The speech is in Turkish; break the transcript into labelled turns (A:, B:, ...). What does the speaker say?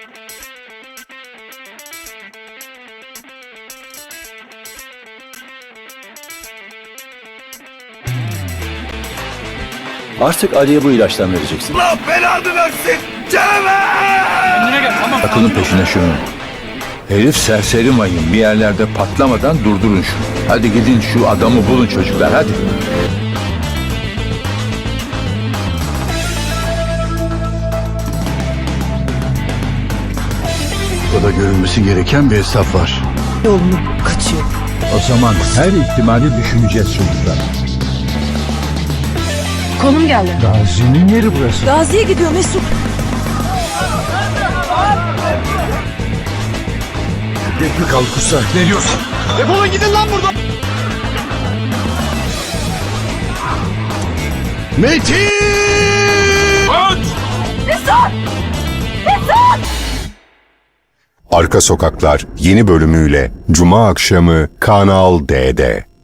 A: Artık Ali'ye bu ilaçtan vereceksin.
B: Allah belanı versin! Canavar!
C: Kendine gel, tamam.
D: Takılın peşine şunu. Herif serseri mayın, bir yerlerde patlamadan durdurun şunu. Hadi gidin şu adamı bulun çocuklar, hadi.
E: Burada görülmesi gereken bir hesap var.
F: Yolunu kaçıyor.
D: O zaman her ihtimali düşüneceğiz çocuklar.
F: Konum geldi.
D: Gazi'nin yeri burası.
F: Gazi'ye gidiyor Mesut.
E: Dekmi kal kusa.
D: Ne diyorsun?
C: Defolun gidin lan buradan.
E: Metin!
G: Arka Sokaklar yeni bölümüyle Cuma akşamı Kanal D'de.